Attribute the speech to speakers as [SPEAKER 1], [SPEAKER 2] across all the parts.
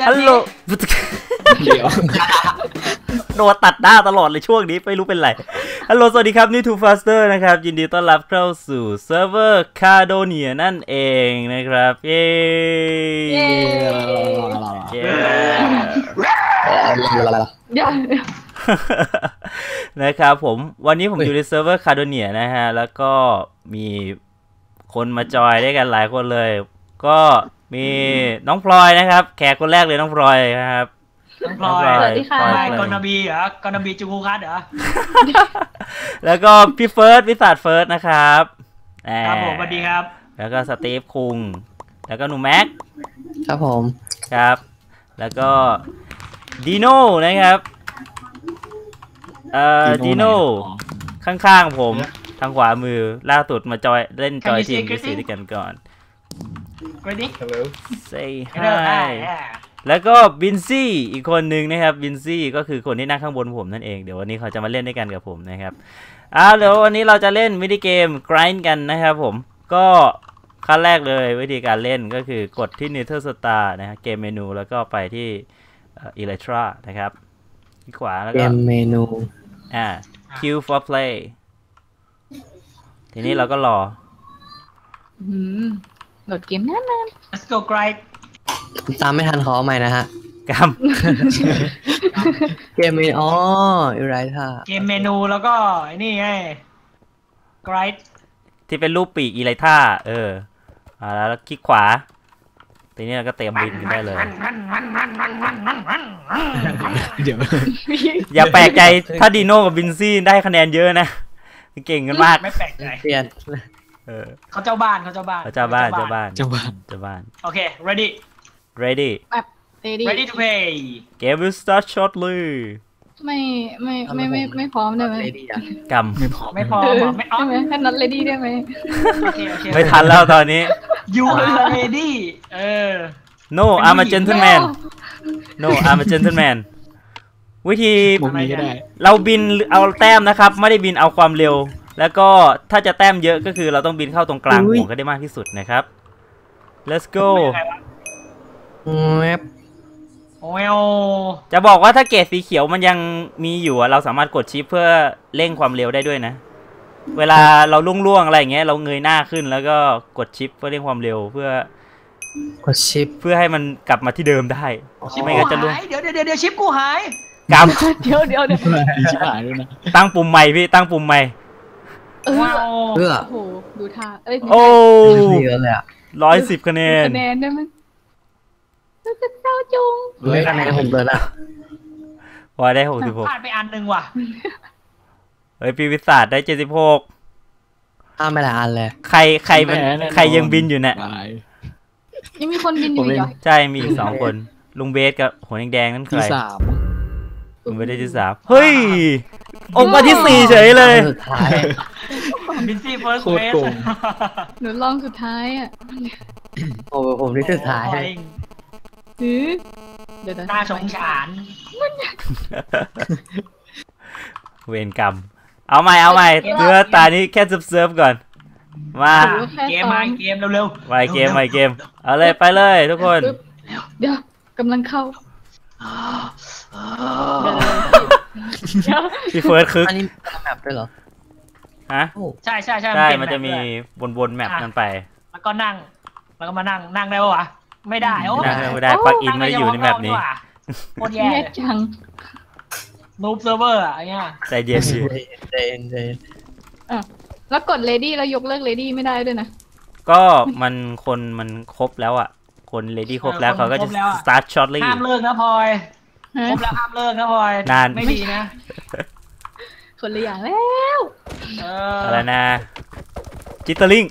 [SPEAKER 1] ฮัลโหล
[SPEAKER 2] เดี๋ยว
[SPEAKER 1] โดนตัดหน้าตลอดเลยช่วงนี้ไม่รู้เป็นไรฮัลโหลสวัสดีครับนี่ Too Faster นะครับยินดีต้อนรับเข้าสู่เซิร์ฟเวอร์คาโดเนียนั่นเองนะครับเย้นะครับผมวันนี้ผมอยู่ในเซิร์ฟเวอร์คาโดเนียนะฮะแล้วก็มีคนมาจอยด้วยกันหลายคนเลยก็มีน้องพลอยนะครับแขกคนแรกเลยน้องพลอยนะครับ
[SPEAKER 3] น้องพลอยสวัสดีค่ะกอนบีเหรอกอนบีจูคูคัสเหรอ
[SPEAKER 1] แล้วก็พี่เฟิร์สวิสัทเฟิร์สนะครับ
[SPEAKER 3] ครับผมสวัสดีครับ
[SPEAKER 1] แล้วก็สตีฟคุงแล้วก็หนูแม็ก
[SPEAKER 2] ครับผม
[SPEAKER 1] ครับแล้วก็ดีโน่นะครับดีโน่ข้างๆผมทางขวามือล่าสุดมาจอยเล่นจอยทีมซีด้วยกันก่อน
[SPEAKER 3] Ready
[SPEAKER 1] Say hi แล้วก็บินซี่อีกคนหนึ่งนะครับบินซี่ก็คือคนที่นั่งข้างบนผมนั่นเองเดี๋ยววันนี้เขาจะมาเล่นด้วยกันกับผมนะครับเดี๋ยววันนี้เราจะเล่นมินิเกม grind กันนะครับผมก็ขั้นแรกเลยวิธีการเล่นก็คือกดที่ Nether Star นะฮะเกมเมนูแล้วก็ไปที่Elytra นะครับที่ขวาแล้วก็
[SPEAKER 2] เกมเมนู
[SPEAKER 1] Queue for play ทีนี้เราก็รอ
[SPEAKER 4] โหลดเกมนาน
[SPEAKER 3] Let's go grind
[SPEAKER 2] ตามไม่ทันขอใหม่นะฮะ
[SPEAKER 1] ก
[SPEAKER 2] เกมเมนูอีไรท่า
[SPEAKER 3] เกมเมนูแล้วก็ไอ้นี่ไง grind
[SPEAKER 1] ที่เป็นรูปปีกอีไลท่าแล้วคลิกขวาทีนี้เราก็เตรียมบินกันได้เลย
[SPEAKER 2] เดี๋ยว
[SPEAKER 1] อย่าแปลกใจถ้าดีโน่กับบินซี่ได้คะแนนเยอะนะเก่งกันมาก
[SPEAKER 3] ไม่แปลกใจ
[SPEAKER 2] เปลี่ยน
[SPEAKER 3] เขาเจ้าบ้านโอเค ready ready to play
[SPEAKER 1] game will start shortly
[SPEAKER 4] ไม่พร้อมได้ไหม
[SPEAKER 1] กำ
[SPEAKER 3] ไม่พร้อม
[SPEAKER 4] ไม่แค่นัด ready ได้ไหม
[SPEAKER 1] ไม่ทันแล้วตอนนี้
[SPEAKER 3] you are ready
[SPEAKER 1] no I'm a gentleman no I'm a gentleman วิธีเราบินเอาแต้มนะครับไม่ได้บินเอาความเร็วแล้วก็ถ้าจะแต้มเยอะก็คือเราต้องบินเข้าตรงกลางห่วงก็ได้มากที่สุดนะครับ let's go จะบอกว่าถ้าเกรดสีเขียวมันยังมีอยู่เราสามารถกดชิปเพื่อเร่งความเร็วได้ด้วยนะเวลาเราล่วงอะไรอย่างเงี้ยเราเงยหน้าขึ้นแล้วก็กดชิปเพื่อเร่งความเร็วเพื่อก
[SPEAKER 2] ดชิป
[SPEAKER 1] เพื่อให้มันกลับมาที่เดิมได้
[SPEAKER 3] ไม่งั้นจะล่วงเดี๋ยวชิปกูหาย
[SPEAKER 1] กำ
[SPEAKER 4] เดี๋ยว
[SPEAKER 2] ชิปหายด้วยนะ
[SPEAKER 1] ตั้งปุ่มใหม่พี่ตั้งปุ่มใหม่
[SPEAKER 4] โอ้โหดูท่า
[SPEAKER 1] โอ้
[SPEAKER 2] เยอะเลยอ่ะ
[SPEAKER 1] 110 คะแนน
[SPEAKER 4] ได้ไหมจะเศร้าจุง
[SPEAKER 2] ไม่คะแนนผมเลยนะ
[SPEAKER 1] พอได้66
[SPEAKER 3] พลาดไปอันนึงว่ะ
[SPEAKER 1] ปีวิศาจได้76
[SPEAKER 2] ไม่ละอันเลย
[SPEAKER 1] ใครยังบินอยู่เนี่ย
[SPEAKER 4] ยังมีคนบินอยู่เหรอ
[SPEAKER 1] ใช่มีอีก2คนลุงเบสกับหัวแดงๆนั่นใคร
[SPEAKER 2] ที่3
[SPEAKER 1] ลุงเบสได้ที่3เฮ้ยออกมาที่4เฉยเลย
[SPEAKER 2] สุดท้าย
[SPEAKER 3] บินซี่เฟิร์สเบส
[SPEAKER 4] หนูลองสุดท้าย
[SPEAKER 2] โอ้ผมที่สุดท้าย
[SPEAKER 4] เดี๋ยว
[SPEAKER 3] น่าสงสาร
[SPEAKER 1] เวรกรรมเอาใหม่เพื่อตานี้แค่เซิร์ฟก่อนมา
[SPEAKER 3] เกมเร็ว
[SPEAKER 1] ไปเกมเอาเลยไปเลยทุกคน
[SPEAKER 4] เดี๋ยวกำลังเข้า
[SPEAKER 1] พี่เฟิร์สคึก
[SPEAKER 2] อันนี้แมปด้วยเหรอ
[SPEAKER 1] ฮะ
[SPEAKER 3] ใช่
[SPEAKER 1] มันจะมีวนแมปนั่นไป
[SPEAKER 3] แล้วก็นั่งแล้วก็มานั่งได้ปะวะไม่ได้
[SPEAKER 1] ไม่ได้ปลั๊กอินไม่ได้อยู่ในแมปนี้
[SPEAKER 3] โคตรแย่
[SPEAKER 4] จัง
[SPEAKER 3] นูบเซิร์ฟเวอร์อะไรเงี้ย
[SPEAKER 1] ใจเย็น
[SPEAKER 4] แล้วกด ready แล้วยกเลิก ready ไม่ได้ด้วยนะ
[SPEAKER 1] ก็มันครบแล้วคน ready ครบแล้วเขาก็จะ start shortly
[SPEAKER 3] ห้ามเลิกนะพลอยครบแล้วห้ามเลิกนะพลอย
[SPEAKER 1] นาน
[SPEAKER 3] ไม่ดีนะ
[SPEAKER 4] คนละอย่างแล้ว
[SPEAKER 1] อะไรนะจิตเตอร์ลิง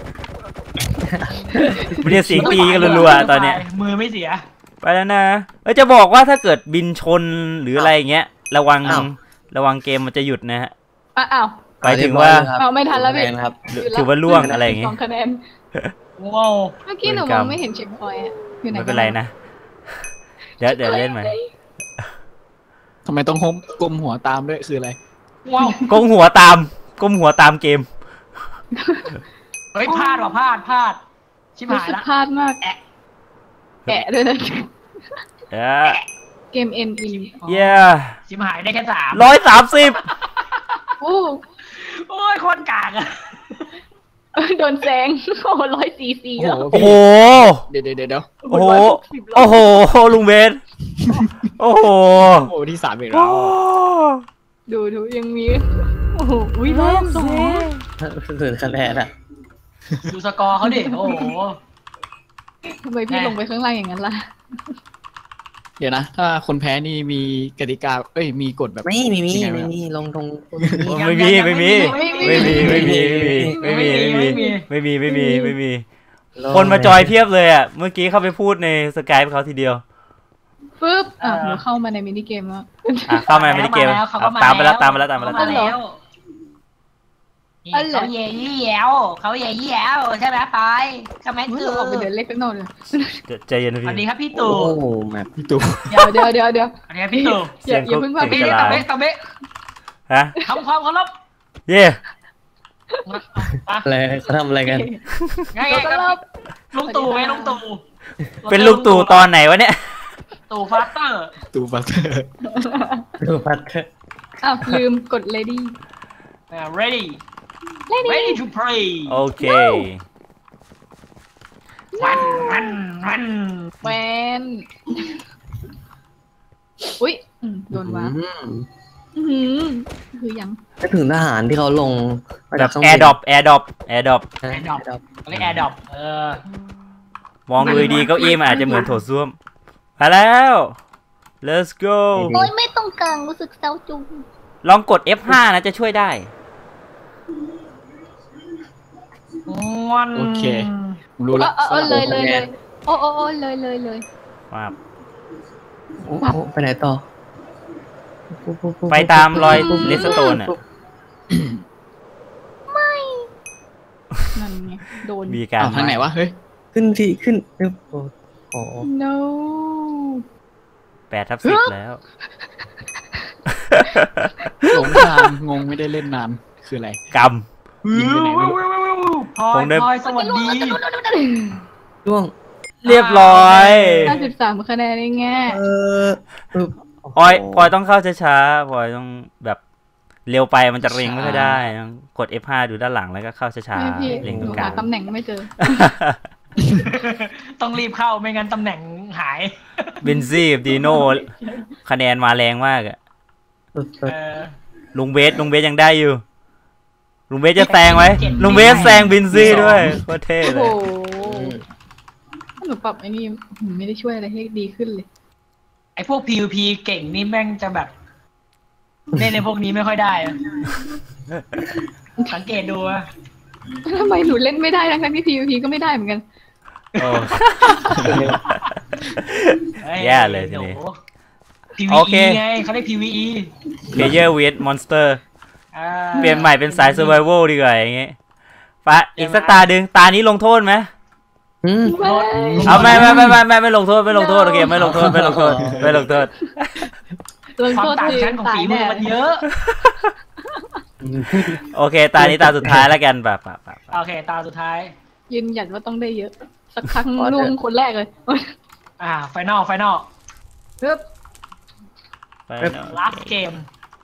[SPEAKER 1] ไม่ได้เสียงตีกันรัวๆตอนเนี้ย
[SPEAKER 3] มือไม่เสีย
[SPEAKER 1] ไปแล้วนะจะบอกว่าถ้าเกิดบินชนหรืออะไรอย่างเงี้ยระวังเกมมันจะหยุดนะฮะไปถึงว่า
[SPEAKER 4] ไม่ทันแล้วพี่
[SPEAKER 1] ถือว่าล่วงอะไรอย่างเงี้ย
[SPEAKER 4] 2 คะแนน
[SPEAKER 3] ว้าว
[SPEAKER 4] เมื่อกี้หนูมองไม่เห็นเช็คพอยต์อยู่ไหน
[SPEAKER 1] ไม่เป็นไรนะเดี๋ยวเล่นใหม่
[SPEAKER 2] ทำไมต้องก้มหัวตามด้วยคืออะไร
[SPEAKER 3] ว้าว
[SPEAKER 1] ก้มหัวตามเกม
[SPEAKER 3] เฮ้ยพลาดชิบหายละ
[SPEAKER 4] พลาดมากแอะด้วยนะเกมเอ็นอิน
[SPEAKER 3] ชิมหายได้แค่3
[SPEAKER 1] 130
[SPEAKER 4] โอ้
[SPEAKER 3] โอ้ยโคตรกากอะ
[SPEAKER 4] โดนแซงโอ้100 cc แล้ว
[SPEAKER 1] โอ้โห
[SPEAKER 2] เดี๋ยว
[SPEAKER 1] โอ้โหโอ้โหลุงเบสโอ้โห
[SPEAKER 2] โอ้ที่3อีกแล้ว
[SPEAKER 4] ดูยังมีโอ้โหอุ้ยรอบ2
[SPEAKER 5] ถึงคะแนนอะ
[SPEAKER 3] ดูสกอร์เขาดิโอ้โห
[SPEAKER 4] ทำไมพี่ลงไปข้างล่างอย่างนั้นล่ะ
[SPEAKER 2] เดี๋ยวนะ ถ้าคนแพ้นี่มีกติกามีกฎแบบ
[SPEAKER 5] ไม่มีลงตรง
[SPEAKER 1] ไม่มีคนมาจอยเพียบเลยอ่ะเมื่อกี้เข้าไปพูดในสกายเขาทีเดียว
[SPEAKER 4] ปึ๊บหนูเข้ามาในมินิเกมแล้ว
[SPEAKER 1] เข้ามามินิเกมตามไปแล้ว
[SPEAKER 3] เขาเย่ยี่แยวใช่ไหมปอยใช่ไหม
[SPEAKER 4] เราออกไปเดินเล่นข้างนอกเลย
[SPEAKER 1] ใจเย็นนะ
[SPEAKER 3] สวัสดี
[SPEAKER 1] พี่
[SPEAKER 3] ครับพี่ตู่
[SPEAKER 5] โอ้โหแมป
[SPEAKER 2] พี่ตู่
[SPEAKER 4] เดี๋ยว
[SPEAKER 3] สวัสดีครับพี่ตู่
[SPEAKER 4] อย่าเพิ่งพา
[SPEAKER 3] พี่
[SPEAKER 4] พี่
[SPEAKER 3] ตะเบะตะเบะ
[SPEAKER 1] ฮะ
[SPEAKER 3] ทำความเคารพ
[SPEAKER 1] เย่
[SPEAKER 5] อะไรเขาทำอะไรกัน
[SPEAKER 3] ไงครับลุงตู่
[SPEAKER 1] เป็นลูกตู่ตอนไหนวะเนี่ย
[SPEAKER 3] ตู่ฟาสเตอร์
[SPEAKER 2] ตู่ฟัตเตอร์
[SPEAKER 5] ดูพัดเถอะ
[SPEAKER 4] อ้าวลืมกด ready
[SPEAKER 3] ready to play
[SPEAKER 1] โอเค
[SPEAKER 3] วัน
[SPEAKER 4] แวนอุ้ยโดนวะคือยัง
[SPEAKER 5] ก็ถึงทหารที่เขาลง
[SPEAKER 1] แบบแอร์ดรอป
[SPEAKER 3] แอร์ดรอปเรียกแอร์ดรอป
[SPEAKER 1] มองดูดีเก้าอี้มันอาจจะเหมือนโถส้วมมาแล้ว let's go
[SPEAKER 4] โอ้ยไม่ต้องกลางรู้สึกเศร้าจุง
[SPEAKER 1] ลองกด F5 นะจะช่วยได้
[SPEAKER 2] โอเครู้ละ
[SPEAKER 4] เลยโอ้เลย
[SPEAKER 1] ครับ
[SPEAKER 5] โอ้ไปไหนต่อ
[SPEAKER 1] ไปตามรอยเลสโตนอ่ะ
[SPEAKER 4] นั่นไงโดน
[SPEAKER 1] มีการ
[SPEAKER 2] ทางไหนวะเฮ้ย
[SPEAKER 5] ขึ้นโอ้
[SPEAKER 4] no
[SPEAKER 1] 8/10แล้ว
[SPEAKER 2] หลงทางงงไม่ได้เล่นนานคืออะไร
[SPEAKER 1] กรรม
[SPEAKER 2] ยิงไปไหนไม่รู้
[SPEAKER 3] พลอยสวัสดี
[SPEAKER 5] ช่วง
[SPEAKER 1] เรียบร้อย
[SPEAKER 4] 53 คะแนนเองแง่
[SPEAKER 1] พลอยต้องเข้าช้าๆพลอยต้องแบบเร็วไปมันจะเร็งไม่ค่อยได้ต้องกด F5 ดูด้านหลังแล้วก็เข้าช้า
[SPEAKER 4] พี่
[SPEAKER 1] ๆเร็ง
[SPEAKER 4] ห
[SPEAKER 1] ตร
[SPEAKER 4] นู
[SPEAKER 1] งกลา
[SPEAKER 4] หาง ตำแหน่งไม่เจอ
[SPEAKER 3] ต้องรีบเข้าไม่งั้นตำแหน่งหาย
[SPEAKER 1] บินซี่กับดีโน่คะแนนมาแรงมากอะลุงเบสยังได้อยู่ลุงเบสจะแซงไว้ลุงเบสแซงบินซี่ด้วยโคตรเท่เล
[SPEAKER 4] โอ้
[SPEAKER 1] ย
[SPEAKER 4] โหหนูปรับไอ้นี่ไม่ได้ช่วยอะไรให้ดีขึ้นเลย
[SPEAKER 3] ไอพวก PVP เก่งนี่แม่งจะแบบเล่นในพวกนี้ไม่ค่อยได้สังเกตดูอะ
[SPEAKER 4] ทำไมหนูเล่นไม่ได้ทั้งที่ PVP ก็ไม่ได้เหมือนกัน
[SPEAKER 1] โอ้แย่เลยทีนี้ โอเค
[SPEAKER 3] PVE ไงเขาเรียก PVE
[SPEAKER 1] Player with Monster เปลี่ยนใหม่เป็นสาย Survival ดีกว่าอย่างเงี้ยปะอีกสักตาดึงตานี้ลงโทษไหมเอาไม่ลงโทษโอเคไม่ลงโทษ
[SPEAKER 3] ความต่างชั้นของฝีมือมันเยอะ
[SPEAKER 1] โอเคตานี้ตาสุดท้ายแล้วกันปะ
[SPEAKER 3] โอเคตาสุดท้าย
[SPEAKER 4] ยืนหยัดว่าต้องได้เยอะ สักครั้งล่วงคนแรกเลย
[SPEAKER 3] ไฟนอล
[SPEAKER 4] ปึ๊บ
[SPEAKER 3] last game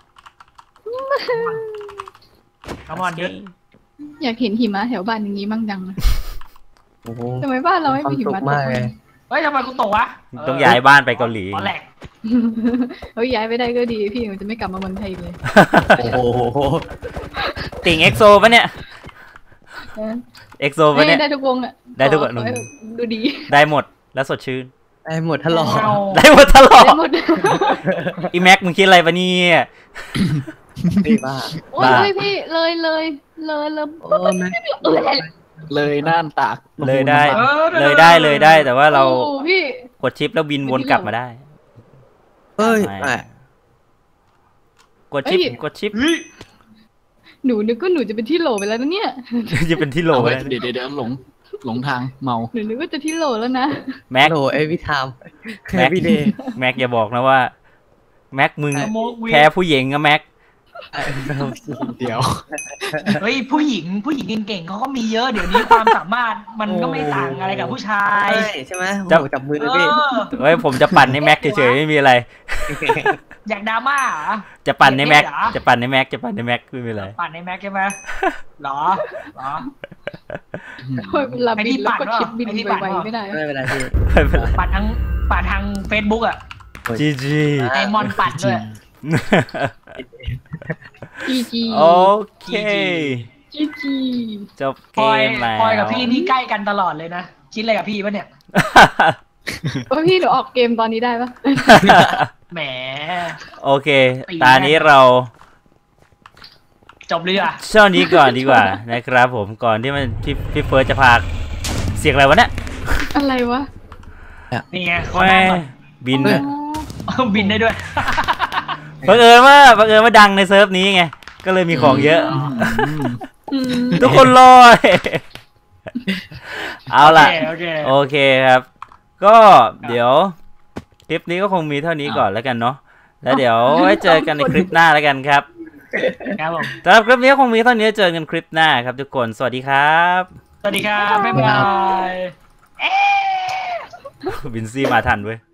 [SPEAKER 3] Come on dude
[SPEAKER 4] อยากเห็นหิมะแถวบ้านอย่างนี้มั่งจังนะทำไมบ้านเราไม่มีหิมะตกเลย
[SPEAKER 3] เฮ้ยทำไมกูตกวะ
[SPEAKER 1] ต้องย้ายบ้านไปเกาหลี
[SPEAKER 3] ตอนแรก
[SPEAKER 4] เฮ้ยย้ายไปได้ก็ดีพี่มันจะไม่กลับมาเมืองไทยเลย
[SPEAKER 5] โอ้โห
[SPEAKER 1] ติ่งเอ็กโซปะเนี่ยเอ็กโซปะเนี่ย
[SPEAKER 4] ได้ทุกวงอ่ะ
[SPEAKER 1] ได้ทุกวง
[SPEAKER 4] ดูดี
[SPEAKER 1] ได้หมดแล้วสดชื่น
[SPEAKER 5] ได้หมดทะลอ
[SPEAKER 1] ได้หมดตลอด
[SPEAKER 4] ได้หมด
[SPEAKER 1] อีแม็กมึงคิดอะไรปะเนี่ย
[SPEAKER 5] พี่บ้า
[SPEAKER 4] โอ้ยพี่เลย
[SPEAKER 5] โอ้แม่
[SPEAKER 2] เลยน่านตาก
[SPEAKER 1] เลยได้แต่ว่าเรา
[SPEAKER 4] พี่
[SPEAKER 1] กดชิปแล้วบินวนกลับมาได้
[SPEAKER 5] เฮ้ย
[SPEAKER 1] กดชิป
[SPEAKER 4] หนูนึกว่าหนูจะเป็นที่โหลไปแล้วนะเนี่ย
[SPEAKER 1] จะเป็นที่โหลไปแล้ว
[SPEAKER 2] เดี๋ยวหลงทางเมา
[SPEAKER 4] หนูนึกว่าจะที่โหลแล้วนะ
[SPEAKER 1] แม็ก
[SPEAKER 5] โหเอวิทาม
[SPEAKER 1] แม็กอย่าบอกนะว่าแม็กมึงแพ้ผู้หญิงอะแม็ก
[SPEAKER 2] เดี๋ยว
[SPEAKER 3] เฮ้ยผู้หญิงเก่งๆเขาก็มีเยอะเดี๋ยวนี้ความสามารถมันก็ไม่ต่างอะไรกับผู้ชาย
[SPEAKER 5] ใช่ไหมโอ้โหจับมือเลยพี่
[SPEAKER 1] เฮ้ยผมจะปั่นให้แม็กเฉยๆไม่มีอะไร
[SPEAKER 3] อยากดราม่าเหรอ
[SPEAKER 1] จะปั่นในแม็ก
[SPEAKER 3] เหรอ
[SPEAKER 1] จะปั่นในแม็กจะปั่นในแม็กไม่มีอะไร
[SPEAKER 3] ปั่นในแม็กใช่ไหมหรอ
[SPEAKER 4] โอ้ยเวลาบินแล้วก็ชิปบิน
[SPEAKER 3] ไอ้ที่ปั่น
[SPEAKER 4] ไว
[SPEAKER 3] เหรอ
[SPEAKER 4] ๆไม่ได้
[SPEAKER 5] ไม่เป็นไรพี่
[SPEAKER 1] ไม่เป็นไร
[SPEAKER 3] ปั่นทางเฟซบุ๊กอะ
[SPEAKER 1] จีจี
[SPEAKER 3] ไอมอนปั่นด้วย
[SPEAKER 4] จีจี
[SPEAKER 1] โอเค
[SPEAKER 4] จีจี
[SPEAKER 1] จบ
[SPEAKER 3] พ
[SPEAKER 1] เก
[SPEAKER 3] ลอย
[SPEAKER 1] มแล้ว
[SPEAKER 3] พลอยกับพี่นี่ใกล้กันตลอดเลยนะคิดอะไรกับพี่ปะเนี่ย
[SPEAKER 4] ว่าพี่หนูออกเกมตอนนี้ได้ปะ
[SPEAKER 3] แหม
[SPEAKER 1] โอเค ตอนนี้เรา
[SPEAKER 3] จบเลยอ่ะ
[SPEAKER 1] ช่วงนี้ก่อนดีกว่า นะครับผมก่อนที่มันพี่เฟิร์สจะพากเสียงอะไรวะเนี่ย
[SPEAKER 4] อะไรวะ
[SPEAKER 3] นี่ไงขอ
[SPEAKER 1] แม่
[SPEAKER 3] นั่งก่อน
[SPEAKER 1] บิน
[SPEAKER 2] เฮ้ย
[SPEAKER 1] นะ
[SPEAKER 3] บินได้ด้วย
[SPEAKER 1] บังเอิญว่าดังในเซิร์ฟนี้ไงก็เลยมีของเยอะ ทุกคนรอ เอาล่ะ
[SPEAKER 3] โอเค
[SPEAKER 1] โอเคครับ ก็เดี๋ยวคลิปนี้ก็คงมีเท่านี้ก่อนแล้วกันเนาะแล้วเดี๋ยวไว้เจอกันในคลิปหน้าแล้วกันครับ
[SPEAKER 3] ครับผม
[SPEAKER 1] สำหรับคลิปนี้ก็คงมีเท่านี้เจอกันคลิปหน้าครับทุกคนสวัสดีครับ
[SPEAKER 3] สวัสดีครับบ๊ายบาย
[SPEAKER 1] วินซี่มาทันเว้ย